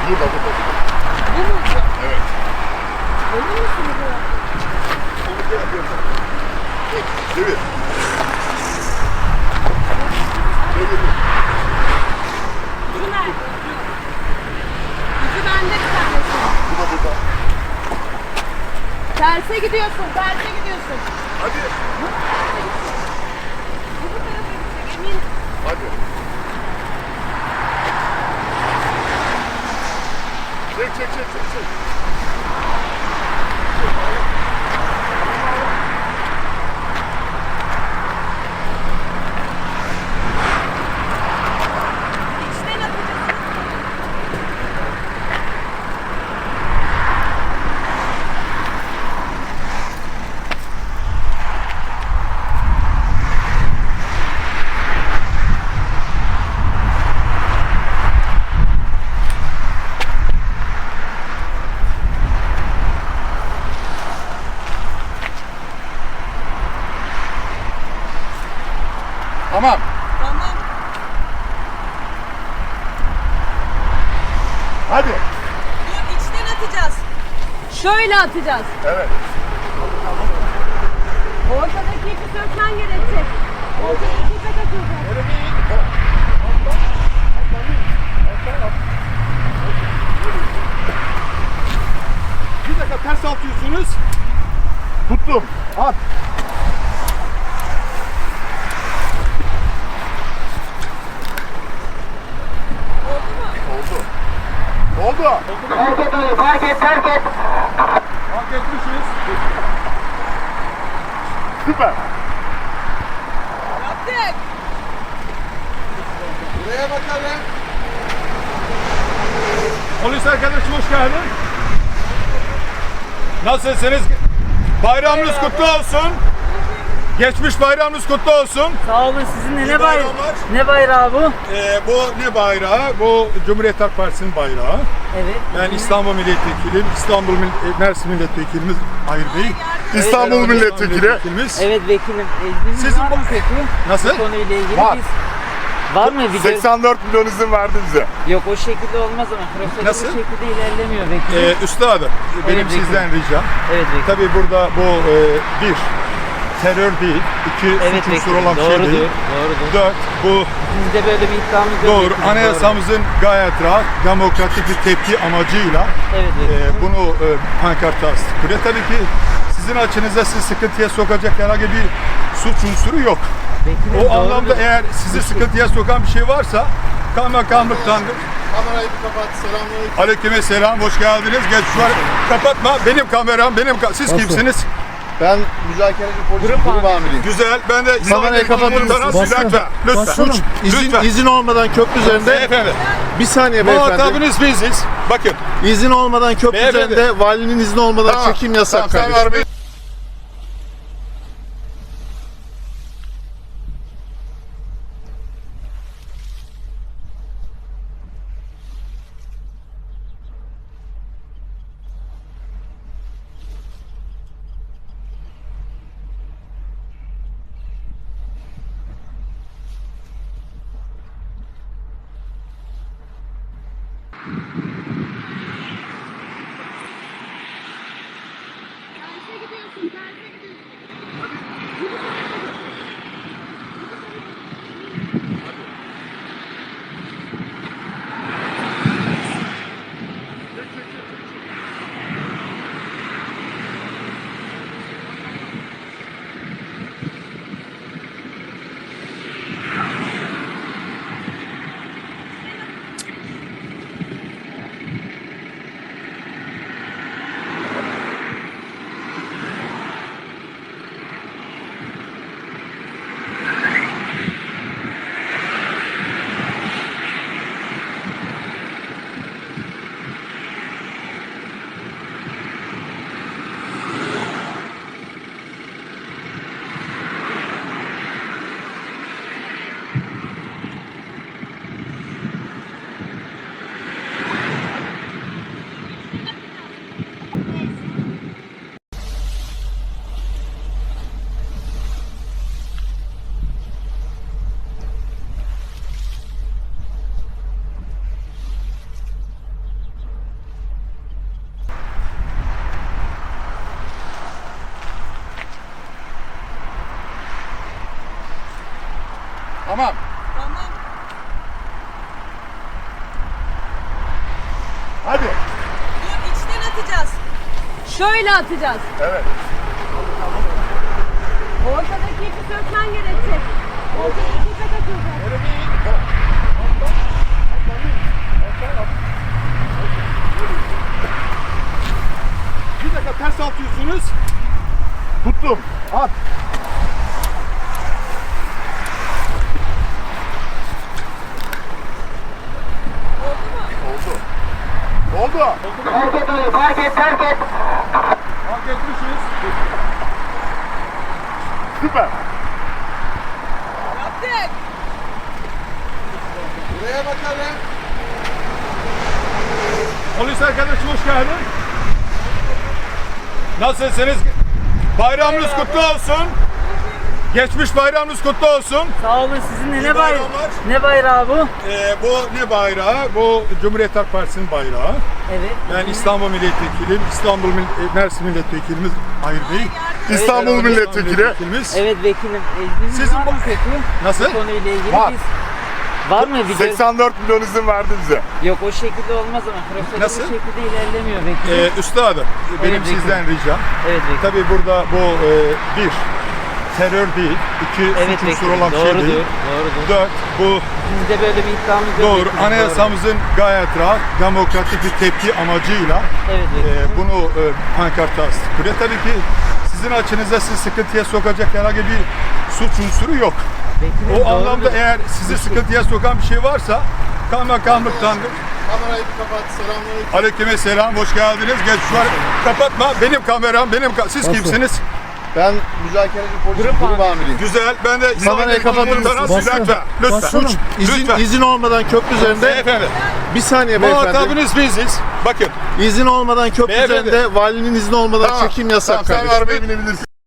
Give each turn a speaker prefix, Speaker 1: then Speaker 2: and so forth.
Speaker 1: Burada.
Speaker 2: Bu mu?
Speaker 1: Evet.
Speaker 2: Emin misiniz bu?
Speaker 1: Çevir.
Speaker 2: Ucu nerede? Ucu bende bir tanesi.
Speaker 1: Bu da burada.
Speaker 2: Terse gidiyorsun, terse gidiyorsun.
Speaker 1: Hadi.
Speaker 2: Bu bu tarafa gidecek, eminim.
Speaker 1: Hadi. Çek.
Speaker 2: İçten atacağız.
Speaker 1: Tamam.
Speaker 2: Tamam.
Speaker 1: Hadi.
Speaker 2: Dur, içten atacağız. Şöyle atacağız.
Speaker 1: Evet.
Speaker 2: Ortadaki ipi sökmen gerekecek. Ortadaki ipe takılacak.
Speaker 1: Bir dakika ters atıyorsunuz. Tuttum. At. Oldu.
Speaker 3: Fark et.
Speaker 1: Fark etmişiz. Süper.
Speaker 2: Yaptık.
Speaker 1: Buraya bakalım. Polis arkadaşım hoş geldin. Nasılsınız? Bayramınız kutlu olsun. Geçmiş bayramınız kutlu olsun.
Speaker 4: Sağ olun, sizinle
Speaker 1: İyi
Speaker 4: ne bayrağı?
Speaker 1: bayramlar.
Speaker 4: Ne bayrağı bu?
Speaker 1: Bu ne bayrağı? Bu Cumhuriyet Halk Partisi'nin bayrağı.
Speaker 4: Evet.
Speaker 1: Ben İstanbul Milletvekiliyim. Mersin Milletvekilimiz. Hayır değil. İstanbul
Speaker 4: Evet,
Speaker 1: Milletvekilimiz.
Speaker 4: Evet vekilim.
Speaker 1: Sizin
Speaker 4: var
Speaker 1: bu-
Speaker 4: mı peki?
Speaker 1: Nasıl?
Speaker 4: Bu konuyla ilgili
Speaker 1: Var.
Speaker 4: var mı bir
Speaker 1: 84 milyon izin verdi bize.
Speaker 4: Yok o şekilde olmaz ama prosedür
Speaker 1: Nasıl?
Speaker 4: bu şekilde ilerlemiyor vekilim.
Speaker 1: Üstadım, benim
Speaker 4: vekilim.
Speaker 1: sizden ricam.
Speaker 4: Evet vekilim.
Speaker 1: Tabii burada bu bir, terör değil. İki,
Speaker 4: Evet
Speaker 1: suç unsuru
Speaker 4: vekilim.
Speaker 1: olan bir şey
Speaker 4: Doğrudur.
Speaker 1: değil.
Speaker 4: Doğrudur.
Speaker 1: Dört, bu
Speaker 4: Bizde böyle bir iddiamız yok.
Speaker 1: doğru.
Speaker 4: vekilim,
Speaker 1: Anayasamızın gayet rahat, demokratik bir tepki amacıyla
Speaker 4: Evet vekilim.
Speaker 1: bunu pankarta astık. Tabii ki sizin açınızda sizi sıkıntıya sokacak herhangi bir suç unsuru yok.
Speaker 4: Vekilim,
Speaker 1: O
Speaker 4: doğrudur.
Speaker 1: anlamda eğer sizi sıkıntıya sokan bir şey varsa kaymakamlıktan
Speaker 5: Kamerayı bir kapat. Selamünaleyküm.
Speaker 1: aleyküm selam, hoş geldiniz. Geç şu an kapatma. Benim kameram, siz kimsiniz?
Speaker 5: Ben müzakereci polis grup amiriyim.
Speaker 1: Güzel. Ben de
Speaker 5: Kamerayı kapatır mısınız?
Speaker 1: Lütfen. Lütfen.
Speaker 5: İzin olmadan köprü üzerinde
Speaker 1: Beyefendi.
Speaker 5: bir saniye beyefendi.
Speaker 1: Muhatabınız biziz. Bakın.
Speaker 5: İzin olmadan köprü
Speaker 1: Beyefendi.
Speaker 5: üzerinde valinin izni olmadan çekim yasak
Speaker 1: Tamam, sen
Speaker 5: kardeşim.
Speaker 1: arabayı-
Speaker 2: Terse gidiyorsun, terse gidiyorsun.
Speaker 1: Hadi.
Speaker 2: Dur içten atacağız. Şöyle atacağız.
Speaker 1: Evet.
Speaker 2: Ortadaki ipi sökmen gerekecek. Ortadaki ipe takılacak.
Speaker 1: Öyle değil. Bir dakika ters atıyorsunuz. Tuttum. At. Oldu. Oldu.
Speaker 3: Fark et onu, fark et, fark et.
Speaker 1: Fark etmişiz. Süper.
Speaker 2: Yaptık.
Speaker 5: Buraya bakalım.
Speaker 1: Polis arkadaşım hoş geldin. Nasılsınız? Bayramınız kutlu olsun. Geçmiş bayramınız kutlu olsun.
Speaker 4: Sağ olun, sizinle
Speaker 1: İyi
Speaker 4: ne bayrağı?
Speaker 1: bayramlar.
Speaker 4: Ne bayrağı bu?
Speaker 1: Bu ne bayrağı? Bu Cumhuriyet Halk Partisi'nin bayrağı.
Speaker 4: Evet.
Speaker 1: Ben İstanbul Milletvekiliyim. Mersin Milletvekilimiz Hayır Bey.
Speaker 5: İstanbul
Speaker 1: Evet,
Speaker 5: Milletvekili.
Speaker 4: Evet vekilim. İzniniz
Speaker 1: Sizin
Speaker 4: var mı
Speaker 1: bu-
Speaker 4: peki?
Speaker 1: Nasıl?
Speaker 4: Bu konuyla ilgili
Speaker 5: Var.
Speaker 4: var mı video?
Speaker 5: 84 milyon izin verdi bize.
Speaker 4: Yok o şekilde olmaz ama prosedür
Speaker 1: Nasıl?
Speaker 4: bu şekilde ilerlemiyor vekilim.
Speaker 1: Üstadım, benim
Speaker 4: Evet, vekilim.
Speaker 1: sizden ricam.
Speaker 4: Evet vekilim.
Speaker 1: Tabii burada bu bir, terör değil. İki,
Speaker 4: Evet
Speaker 1: suç unsuru
Speaker 4: vekilim.
Speaker 1: olan bir şey
Speaker 4: Doğrudur.
Speaker 1: değil.
Speaker 4: Doğrudur.
Speaker 1: Dört, bu
Speaker 4: Bizde böyle bir iddiamız yok.
Speaker 1: doğru.
Speaker 4: vekilim,
Speaker 1: Anayasamızın gayet rahat, demokratik bir tepki amacıyla
Speaker 4: doğru. Evet vekilim.
Speaker 1: bunu pankarta astık. Buraya tabii ki sizin açınızda sizi sıkıntıya sokacak herhangi bir suç unsuru yok.
Speaker 4: Vekilim,
Speaker 1: O
Speaker 4: doğrudur.
Speaker 1: anlamda eğer sizi sıkıntıya sokan bir şey varsa kaymakamlıktan
Speaker 5: Kamerayı bir kapat. Selamünaleyküm.
Speaker 1: aleykümselam hoş geldiniz. Geç şu an kapatma. Benim kameram, siz kimsiniz?
Speaker 5: Ben müzakereci polis
Speaker 4: Grup
Speaker 5: grup
Speaker 4: amiriyim.
Speaker 5: amiriyim.
Speaker 1: Güzel. Ben de
Speaker 5: Kamerayı kapatır mısınız?
Speaker 1: Lütfen. Lütfen.
Speaker 5: Suç izin olmadan köprü üzerinde
Speaker 1: Beyefendi.
Speaker 5: bir saniye beyefendi.
Speaker 1: Muhatabınız biziz. Bakın.
Speaker 5: İzin olmadan köprü
Speaker 1: Beyefendi.
Speaker 5: üzerinde valinin izni olmadan çekim yasak
Speaker 6: Tamam, sen
Speaker 5: kardeşim.
Speaker 6: arabaya binebilirsin.